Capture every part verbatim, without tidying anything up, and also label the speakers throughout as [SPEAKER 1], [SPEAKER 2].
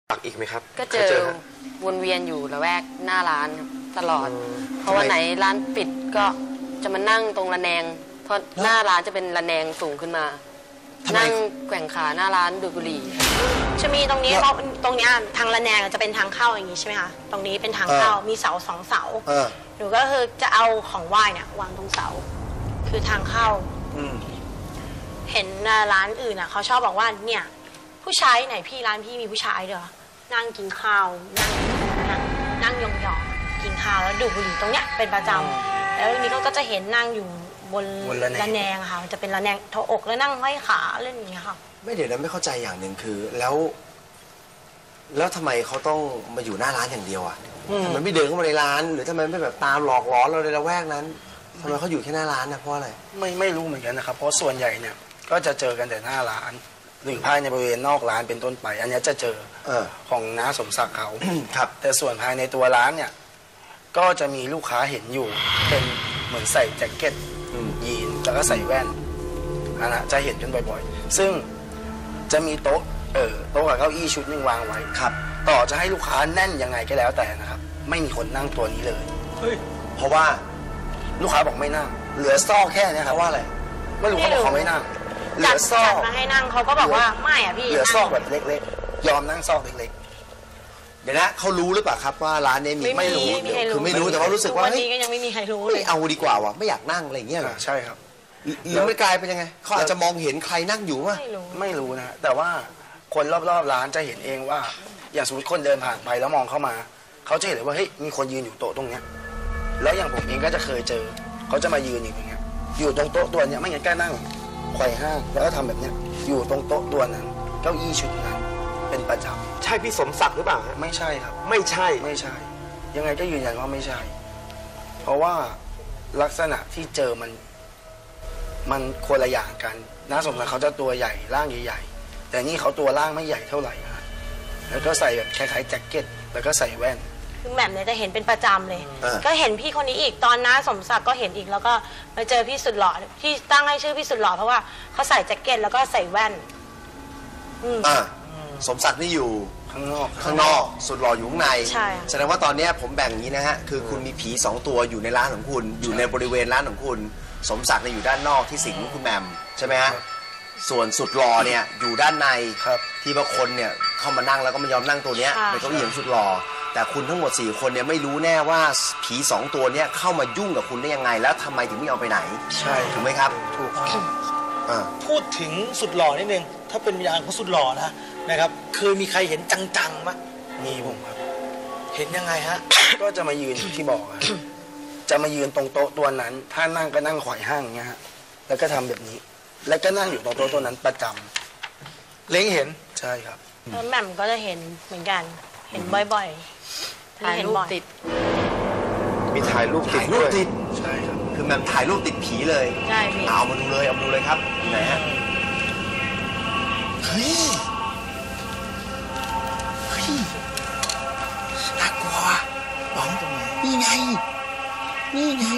[SPEAKER 1] ปักอีกไหมครับ
[SPEAKER 2] ก็เจอวนเวียนอยู่ละแวกหน้าร้านตลอดเพราะวันไหนร้านปิดก็จะมานั่งตรงระแนงเพราะหน้าร้านจะเป็นระแนงสูงขึ้นมานั่งแกว่งขาหน้าร้านดูดบุหรี่
[SPEAKER 3] จะมีตรงนี้เพราะตรงนี้ทางระแนงจะเป็นทางเข้าอย่างนี้ใช่ไหมคะตรงนี้เป็นทางเข้ามีเสาสองเสาหนูก็คือจะเอาของไหว้เนี่ยวางตรงเสาคือทางเข้าเห็นร้านอื่นอ่ะเขาชอบบอกว่าเนี่ยผู้ชายไหนพี่ร้านพี่มีผู้ชายเด้อนั่งกินข้าวนั่งนั่งยองๆกินข้าวแล้วดูดบุหรี่ตรงเนี้ยเป็นประจำแล้วนี้เขาก็จะเห็นนั่งอยู่บนระแนงค่ะมันจะเป็นระแนงทบอกแล้วนั่งห้อยขาเล่นอย่างเงี้ยค่ะ
[SPEAKER 4] ไม่เดี๋ยวนะไม่เข้าใจอย่างหนึ่งคือแล้วแล้วทำไมเขาต้องมาอยู่หน้าร้านอย่างเดียวอ่ะทำไมไม่เดินเข้ามาในร้านหรือทำไมไม่แบบตามหลอกล้อเราในละแวกนั้นทำไมเขาอยู่แค่หน้าร้านนะเพราะอะไร
[SPEAKER 5] ไม่ไม่รู้เหมือนกันนะครับเพราะส่วนใหญ่เนี่ยก็จะเจอกันแต่หน้าร้านหรือภายในบริเวณนอกร้านเป็นต้นไปอันนี้จะเจอของน้าสมศักดิ์เขาครับแต่ส่วนภายในตัวร้านเนี่ยก็จะมีลูกค้าเห็นอยู่เป็นเหมือนใส่แจ็คเก็ตยีนแล้วก็ใส่แว่นนะจะเห็นกันบ่อยๆซึ่งจะมีโต๊ะเออโต๊ะกับเก้าอี้ชุดนึงวางไว้ครับต่อจะให้ลูกค้าแน่นยังไงก็แล้วแต่นะครับไม่มีคนนั่งตัวนี้เลย
[SPEAKER 4] เพราะว่า
[SPEAKER 5] ลูกค้าบอกไม่นั่งเหลือซอกแค่นี้ครับว่าอะไรไม่รู้เขาบอกเขาไม่นั่งเหลือซอก
[SPEAKER 3] มาให้นั่งเขาก็บอกว่าไม่อ่ะพี่
[SPEAKER 5] เหลือซอกแบบเล็กๆยอมนั่งซอกเล็ก
[SPEAKER 4] ๆเดี๋ยวนะเขารู้หรือเปล่าครับว่าร้านนี้มี
[SPEAKER 3] ไม่รู้
[SPEAKER 4] คือไม่รู้แต่ว่ารู้สึกว่า
[SPEAKER 3] วันนี้ก็ยังไม่มีใครรู้เลย
[SPEAKER 4] เอาดีกว่าวะไม่อยากนั่งอะไรอย่างเงี้ย
[SPEAKER 5] ใช่ครับ
[SPEAKER 4] หรือไม่กลายเป็นยังไงเขาอาจจะมองเห็นใครนั่งอยู่วะ
[SPEAKER 3] ไม่รู้
[SPEAKER 5] ไม่รู้นะแต่ว่าคนรอบๆร้านจะเห็นเองว่าอย่างสมมติคนเดินผ่านไปแล้วมองเข้ามาเขาจะเห็นเลยว่าเฮ้ยมีคนยืนอยู่โต๊ะตรงเนี้ยแล้วอย่างผมเองก็จะเคยเจอเขาจะมายืนอย่างเงี้ยอยู่ตรงโต๊ะตัวเนี้ยไม่งั้นก็นั่งไขว่ห้างแล้วก็ทำแบบเนี้ยอยู่ตรงโต๊ะตัวนั้นเก้าอี้ชุดนั้นเป็นประจำ
[SPEAKER 1] ใช่พี่สมศักดิ์หรือเปล่า
[SPEAKER 5] ไม่ใช่ครับ
[SPEAKER 1] ไม่ใช่
[SPEAKER 5] ไม่ใช่ยังไงก็ยืนยันว่าไม่ใช่เพราะว่าลักษณะที่เจอมันมันคนละอย่างกันน้าสมศักดิ์เขาจะตัวใหญ่ร่างใหญ่ๆแต่นี่เขาตัวร่างไม่ใหญ่เท่าไหร่ฮะแล้วก็ใส่แบบคล้ายๆแจ็คเก็ตแล้วก็ใส่แว่น
[SPEAKER 3] คือแหม่มเนี่ยจะเห็นเป็นประจำเลยก็เห็นพี่คนนี้อีกตอนน้าสมศักดิ์ก็เห็นอีกแล้วก็มาเจอพี่สุดหล่อที่ตั้งให้ชื่อพี่สุดหล่อเพราะว่าเขาใส่แจ็คเก็ตแล้วก็ใส่แว่น
[SPEAKER 4] อ่าสมศักดิ์นี่อยู่
[SPEAKER 5] ข้างนอก
[SPEAKER 4] ข้างนอกสุดหล่ออยู่ข้างใน
[SPEAKER 3] ใช่
[SPEAKER 4] แสดงว่าตอนนี้ผมแบ่งอย่างนี้นะฮะคือคุณมีผีสองตัวอยู่ในร้านของคุณอยู่ในบริเวณร้านของคุณสมศักดิ์เนี่ยอยู่ด้านนอกที่สิงคุณแมมใช่ไหมฮะส่วนสุดหล่อเนี่ยอยู่ด้านในที่บางคนเนี่ยเข้ามานั่งแล้วก็ไม่ยอมนั่งตัวเนี้ยเป็นเก้าอี้ของสุดหล่อแต่คุณทั้งหมดสี่คนเนี่ยไม่รู้แน่ว่าผีสองตัวเนี้ยเข้ามายุ่งกับคุณได้ยังไงแล้วทำไมถึงไม่เอาไปไหน
[SPEAKER 5] ใช่
[SPEAKER 4] ถูกไหมครับ
[SPEAKER 5] ถูก
[SPEAKER 6] พูดถึงสุดหล่อนิดนึงถ้าเป็นวิญญาณของสุดหล่อนะนะครับเคยมีใครเห็นจังๆมั้ย
[SPEAKER 5] มีผมครับ
[SPEAKER 6] เห็นยังไงฮะ
[SPEAKER 5] ก็จะมายืนที่บอกจะมายืนตรงโต๊ะตัวนั้นถ้านั่งก็นั่งไขว่ห้างอย่างเงี้ยฮะแล้วก็ทำแบบนี้แล้วก็นั่งอยู่ตรงโต๊ะตัวนั้นประจำ
[SPEAKER 6] เล้งเห็น
[SPEAKER 5] ใช่ครับ
[SPEAKER 3] แล้วแหม่มก็จะเห็นเหมือนกันเห็นบ่อยๆ
[SPEAKER 2] ถ่ายรูปติด
[SPEAKER 1] มีถ่ายรูปติด
[SPEAKER 4] รูปติด
[SPEAKER 5] ใช่ครับ
[SPEAKER 4] คือแหม่มถ่ายรูปติดผีเลย
[SPEAKER 3] ใช่พี่
[SPEAKER 4] เอามาดูเลยเอามาดูเลยครับไหนฮะเฮ้ยเฮ้ยน่ากลัวบ้องตรงไหนนี่ไงนี่ไง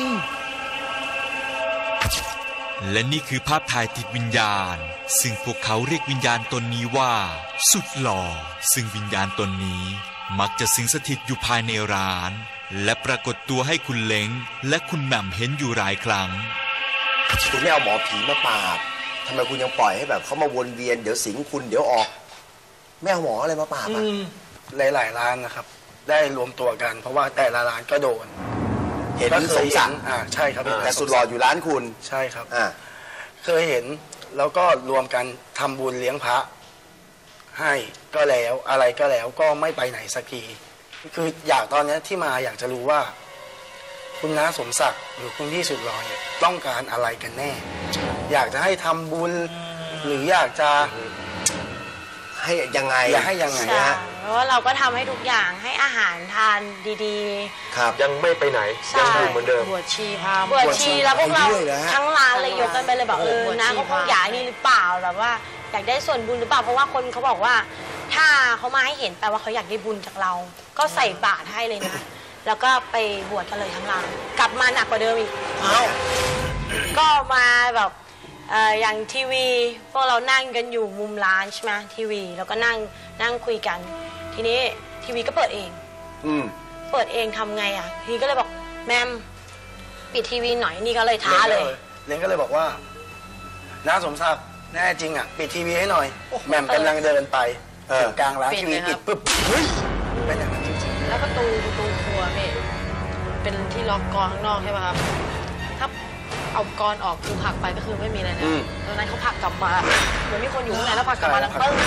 [SPEAKER 7] และนี่คือภาพถ่ายติดวิญญาณซึ่งพวกเขาเรียกวิญญาณตนนี้ว่าสุดหล่อซึ่งวิญญาณตนนี้มักจะสิงสถิตอยู่ภายในร้านและปรากฏตัวให้คุณเล้งและคุณแหม่มเห็นอยู่หลายครั้ง
[SPEAKER 4] คุณไม่เอาหมอผีมาปราบทำไมคุณยังปล่อยให้แบบเขามาวนเวียนเดี๋ยวสิงคุณเดี๋ยวออกไม่เอาหมออะไรมาปราบอ่ะ
[SPEAKER 5] หลายๆร้านนะครับได้รวมตัวกันเพราะว่าแต่ละร้านก็โดน
[SPEAKER 4] เห็นสมศักดิ์
[SPEAKER 5] อ่าใช่ครับ
[SPEAKER 4] แต่สุดหล่ออยู่ร้านคุณ
[SPEAKER 5] ใช่ครับ
[SPEAKER 4] อ่า
[SPEAKER 5] เคยเห็นแล้วก็รวมกันทำบุญเลี้ยงพระให้ก็แล้วอะไรก็แล้วก็ไม่ไปไหนสักทีคืออยากตอนนี้ที่มาอยากจะรู้ว่าคุณน้าสมศักดิ์หรือคุณพี่สุดหล่อเนี่ยต้องการอะไรกันแน่อยากจะให้ทำบุญหรืออยากจะ
[SPEAKER 4] ให้ยังไง
[SPEAKER 5] อยากให้ยังไง
[SPEAKER 3] ฮะเพราะว่าเราก็ทำให้ทุกอย่างให้อาหารทานดี
[SPEAKER 4] ๆครับ
[SPEAKER 1] ยังไม่ไปไหนยังอยู่เหมือนเดิม
[SPEAKER 2] บวชชีพา
[SPEAKER 3] บวชชีแล้วพวกเราทั้งร้านเลยยกกันไปเลยบอกเออนะก็คงอยากนี่หรือเปล่าแบบว่าอยากได้ส่วนบุญหรือเปล่าเพราะว่าคนเขาบอกว่าถ้าเขามาให้เห็นแปลว่าเขาอยากได้บุญจากเราก็ใส่บาตรให้เลยนะแล้วก็ไปบวชกันเลยทั้งร้านกลับมาหนักกว่าเดิมอีกก็มาแบบอย่างทีวีพวกเรานั่งกันอยู่มุมร้านใช่ไหมทีวีแล้วก็นั่งนั่งคุยกันทีนี้ทีวีก็เปิดเอง
[SPEAKER 4] อืม
[SPEAKER 3] เปิดเองทำไงอ่ะทีก็เลยบอกแมมปิดทีวีหน่อยนี่ก็เลยท้าเลย
[SPEAKER 5] เล้งก็เลยบอกว่าน้าสมศักดิ์แน่จริงอ่ะปิดทีวีให้หน่อยแหม่มกำลังเดินไปถึงกลางร้านทีวีปิดปุ๊บเฮ้ยเป็นอย่างนั้นจริงๆ
[SPEAKER 8] แล้วประตูประตูครัวพี่เป็นที่ล็อกกรข้างนอกใช่ไหมครับถ้าเอากรออกคือผลักไปก็คือไม่มีอะไรนะตอนนั้นเขาผลักกลับมาเหมือนมีคนอยู่ข้างในแล้วผลักกลับมาแล้วปึ้ง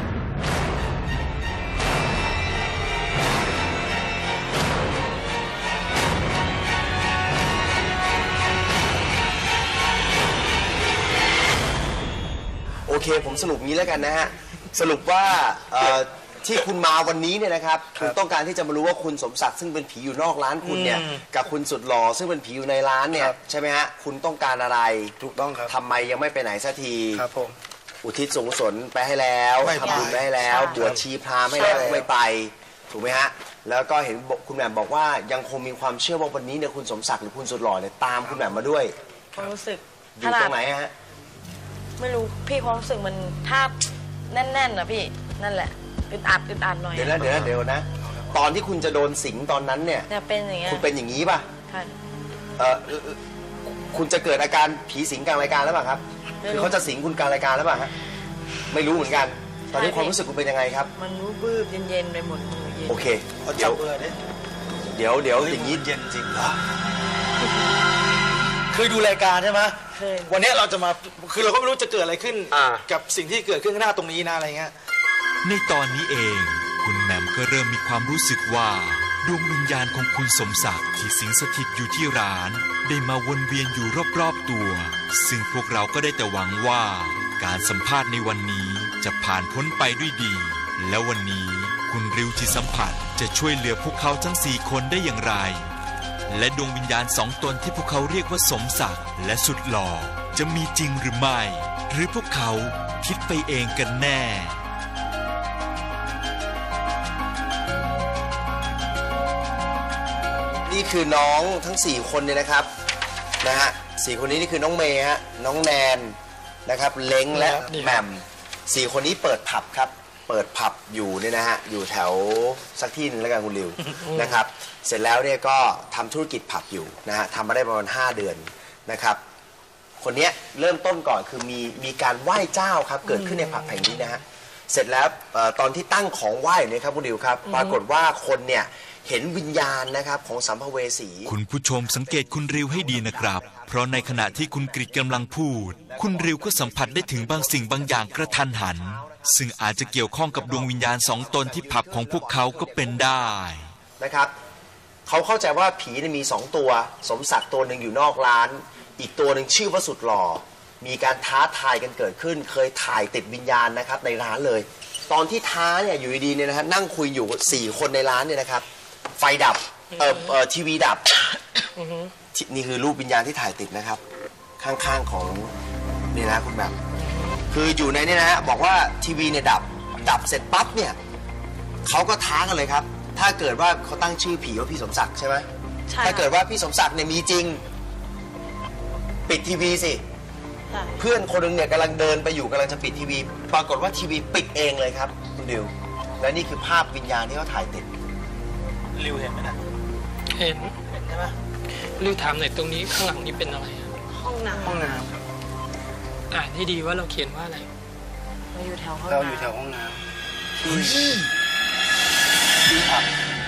[SPEAKER 4] โอเคผมสรุปงี้แล้วกันนะฮะสรุปว่าเอ่อที่คุณมาวันนี้เนี่ยนะครับคุณต้องการที่จะมารู้ว่าคุณสมศักดิ์ซึ่งเป็นผีอยู่นอกร้านคุณเนี่ยกับคุณสุดหล่อซึ่งเป็นผีอยู่ในร้านเนี่ยใช่ไหมฮะคุณต้องการอะไรถูกต้องครับทำไมยังไม่ไปไหนสักทีครับผมอุทิศส่วนกุศลไปให้แล้วทำบุญไปให้แล้วบวชชีพราหมณ์ให้แล้วไม่ไปถูกไหมฮะแล้วก็เห็นคุณแหม่มบอกว่ายังคงมีความเชื่อว่าวันนี้เนี่ยคุณสมศักดิ์หรือคุณสุดหล่อเนี่ยตามคุณแหม่มมาด้วย
[SPEAKER 3] ความรู้สึก
[SPEAKER 4] อยู่ตรงไหนฮะ
[SPEAKER 3] ไม่รู้พี่ความรู้สึกมันถ้าแน่นๆนะพี่นั่นแหละอึดอัดอึดอัดหน่อย
[SPEAKER 4] เดี๋ยวนะเดี๋ยวนะเดี๋ยวนะตอนที่คุณจะโดนสิงตอนนั้นเนี่ย
[SPEAKER 3] เนี่ยเป็นอย่างเงี้ย
[SPEAKER 4] คุณเป็นอย่างนี้ป่ะ
[SPEAKER 3] ค่ะ
[SPEAKER 4] เออคุณจะเกิดอาการผีสิงกลางรายการแล้วป่ะครับคือเขาจะสิงคุณกลางรายการแล้วป่ะฮะไม่รู้เหมือนกันตอนนี้ความรู้สึกคุณเป็นยังไงครับ
[SPEAKER 8] มันรู้บื้อเย็นๆไปหมดมือเย็น
[SPEAKER 4] โอเคเดี๋ยวเดี๋ยวเดี๋ยวอย่างนี้
[SPEAKER 6] เย็นจริงเหรอเคยดูรายการใช่ไหมวันนี้เราจะมาคือเราก็ไม่รู้จะเกิดอะไรขึ้นกับสิ่งที่เกิดขึ้นข้างหน้าตรงนี้นะอะไรเงี้ย
[SPEAKER 7] ในตอนนี้เองคุณแหม่มก็เริ่มมีความรู้สึกว่าดวงวิญญาณของคุณสมศักดิ์ที่สิงสถิตอยู่ที่ร้านได้มาวนเวียนอยู่รอบๆตัวซึ่งพวกเราก็ได้แต่หวังว่าการสัมภาษณ์ในวันนี้จะผ่านพ้นไปด้วยดีและวันนี้คุณริวที่สัมผัสจะช่วยเหลือพวกเขาทั้งสี่คนได้อย่างไรและดวงวิญญาณสองตนที่พวกเขาเรียกว่าสมศักดิ์และสุดหล่อจะมีจริงหรือไม่หรือพวกเขาคิดไปเองกันแน่
[SPEAKER 4] นี่คือน้องทั้งสี่คนเนี่ยนะครับนะฮะสี่คนนี้นี่คือน้องเมย์ฮะน้องแนนนะครับเล้งและแหม่มสี่คนนี้เปิดผับครับเปิดผับอยู่เนี่ยนะฮะอยู่แถวสักที่นึงแล้วกันคุณริวนะครับเสร็จแล้วเนี่ยก็ทำธุรกิจผับอยู่นะฮะทำมาได้ประมาณห้าเดือนนะครับคนนี้เริ่มต้นก่อนคือมีมีการไหว้เจ้าครับเกิดขึ้นในผับแห่งนี้นะฮะเสร็จแล้วตอนที่ตั้งของไหว้เนี่ยครับคุณริวครับปรากฏว่าคนเนี่ยเห็นวิญญาณนะครับของสัมภเวสี
[SPEAKER 7] คุณผู้ชมสังเกตคุณริวให้ดีนะครับเพราะในขณะที่คุณกริชกำลังพูดคุณริวก็สัมผัสได้ถึงบางสิ่งบางอย่างกระทันหันซึ่งอาจจะเกี่ยวข้องกับดวงวิญญาณสองตนที่ผับของพวกเขาก็เป็นได้
[SPEAKER 4] นะครับเขาเข้าใจว่าผีมีสองตัวสมศักดิ์ตัวหนึ่งอยู่นอกร้านอีกตัวหนึ่งชื่อว่าสุดหล่อมีการท้าทายกันเกิดขึ้นเคยถ่ายติดวิญญาณนะครับในร้านเลยตอนที่ท้าเนี่ยอยู่ดีๆเนี่ยนะฮะนั่งคุยอยู่สี่คนในร้านเนี่ยนะครับไฟดับเอ่อเอ่อทีวีดับนี่คือรูปวิญญาณที่ถ่ายติดนะครับข้างๆของนี่นะคุณแบบคืออยู่ในนี่นะฮะบอกว่าทีวีเนี่ยดับดับเสร็จปั๊บเนี่ยเขาก็ท้ากันเลยครับถ้าเกิดว่าเขาตั้งชื่อผีว่าพี่สมศักดิ์ใช่ไหมถ้าเกิดว่าพี่สมศักดิ์เนี่ยมีจริงปิดทีวีสิเพื่อนคนหนึ่งเนี่ยกำลังเดินไปอยู่กำลังจะปิดทีวีปรากฏว่าทีวีปิดเองเลยครับคุณดิวและนี่คือภาพวิญญาณที่เขาถ่ายติด
[SPEAKER 6] ริวเห็นไหมนะ
[SPEAKER 8] เห็น
[SPEAKER 6] เห็นใช่ไหม
[SPEAKER 8] ริวถามหน่อยตรงนี้ข้างหลังนี้เป็นอะไร
[SPEAKER 3] ห้องน้ำ
[SPEAKER 5] ห้องน้ำครับ
[SPEAKER 8] อ่านให้ดีว่าเราเขียนว่าอะไร
[SPEAKER 3] เราอยู่แถวห้อง
[SPEAKER 5] น้ำเราอยู่แถวห้องน้ำที่ที่ผับ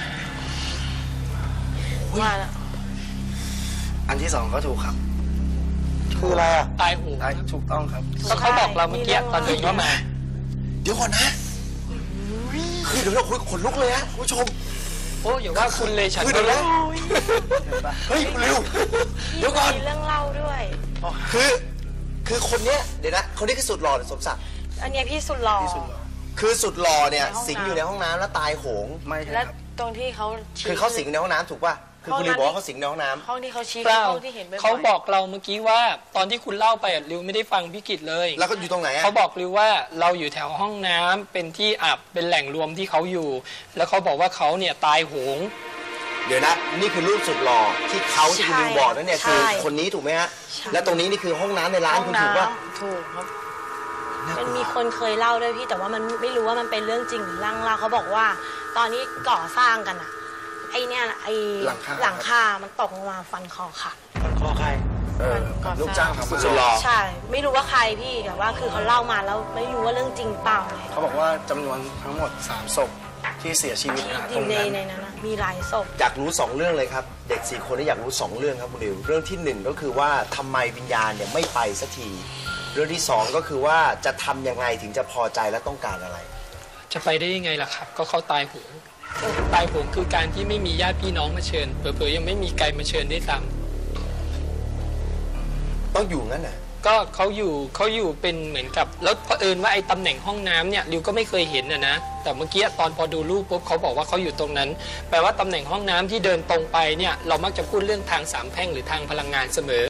[SPEAKER 3] ว่าแล้ว
[SPEAKER 5] อันที่สองก็ถูกครับ
[SPEAKER 6] คืออะไรอ่ะ
[SPEAKER 8] ตายหู
[SPEAKER 5] ตายถูกต้องครับ
[SPEAKER 8] ก็เขาบอกเราเมื่อกี้ตอนเดินเข้ามา
[SPEAKER 4] เดี๋ยวก่อนนะคือเดี๋ยวเราคุยขนลุกเลยฮะคุณผู้ชม
[SPEAKER 8] โอ้อย่าว่าคุณเลยฉัน
[SPEAKER 4] คือเดี๋ยวนะเฮ้ยเร็วเดี๋ยวก่อน
[SPEAKER 3] เรื่องเล่าด้วย
[SPEAKER 4] คือคือคนเนี้ยเดี๋ยวนะคนนี้คือสุดหล่อหรือสมศักดิ์
[SPEAKER 3] อันนี้พี่สุดหล่อ
[SPEAKER 4] คือสุดหล่อเนี่ยสิงอยู่ในห้องน้ำแล้วตายโหง
[SPEAKER 5] ไม่ใช่
[SPEAKER 3] แล้วตรงที่เขา
[SPEAKER 4] คือเขาสิงในห้องน้ำถูกป่ะคือคุณริวบอกว่าเขาสิงในห้องน้ำ
[SPEAKER 3] ห้องที่เขาชี้
[SPEAKER 8] ห้องที่เห็นเขาบอกเราเมื่อกี้ว่าตอนที่คุณเล่าไปริวไม่ได้ฟังพี่กิตเลย
[SPEAKER 4] แล้วก็อยู่ตรงไหน
[SPEAKER 8] เขาบอกริวว่าเราอยู่แถวห้องน้ำเป็นที่อับเป็นแหล่งรวมที่เขาอยู่แล้วเขาบอกว่าเขาเนี่ยตายโหง
[SPEAKER 4] เดี๋ยวนะนี่คือรูปสุดหล่อที่เขาที่คุณริวบอกนั่นเนี่ยคือคนนี้ถูกไหมฮะและตรงนี้นี่คือห้องน้ำในร้านคุณถูกป่ะ
[SPEAKER 3] ถูกครับมันมีคนเคยเล่าด้วยพี่แต่ว่ามันไม่รู้ว่ามันเป็นเรื่องจริงหรือเรื่องเล่าเขาบอกว่า ตอนนี้ก่อสร้างกันอะไอเนี่ยไอ
[SPEAKER 5] หลังคา
[SPEAKER 3] หลังคา มันตกลงมาฟันคอค่ะ
[SPEAKER 6] ฟันคอใคร
[SPEAKER 5] เออ
[SPEAKER 3] ก่อสร้าง
[SPEAKER 5] ลูกจ้างทำมา
[SPEAKER 1] สุดหล่อ
[SPEAKER 3] ใช่ ไม่รู้ว่าใครพี่แต่ว่าคือเขาเล่ามาแล้วไม่รู้ว่าเรื่องจริงเปล่าไง
[SPEAKER 5] เขาบอกว่าจำนวนทั้งหมดสามศพที่เสียชีวิต
[SPEAKER 3] ที่
[SPEAKER 5] นะ
[SPEAKER 3] อ
[SPEAKER 5] ตร
[SPEAKER 3] ยู่
[SPEAKER 5] ง
[SPEAKER 3] ใน
[SPEAKER 5] นั้น
[SPEAKER 3] ในนั้นนะมีหลายศพ
[SPEAKER 4] อยากรู้สองเรื่องเลยครับ เด็กสี่คนนี้อยากรู้สองเรื่องครับคุณริวเรื่องที่หนึ่งก็คือว่าทำไมวิญญาณเนี่ยไม่ไปสักทีเรื่องที่สองก็คือว่าจะทำยังไงถึงจะพอใจและต้องการอะไร
[SPEAKER 9] จะไปได้ยังไงล่ะครับ ก็เขาตายโหงตายโหงคือการที่ไม่มีญาติพี่น้องมาเชิญเผลอๆยังไม่มีไกลมาเชิญด้วยซ้
[SPEAKER 4] ต้องอยู่งั้นน่ะ
[SPEAKER 9] ำก็เขาอยู่เขาอยู่เป็นเหมือนกับแล้วเผอิญว่าไอ้ตำแหน่งห้องน้ำเนี่ยริวก็ไม่เคยเห็นนะนะแต่เมื่อกี้ตอนพอดูรูปปุ๊บเขาบอกว่าเขาอยู่ตรงนั้นแปลว่าตำแหน่งห้องน้ำที่เดินตรงไปเนี่ยเรามักจะพูดเรื่องทางสามแพร่งหรือทางพลังงานเสมอ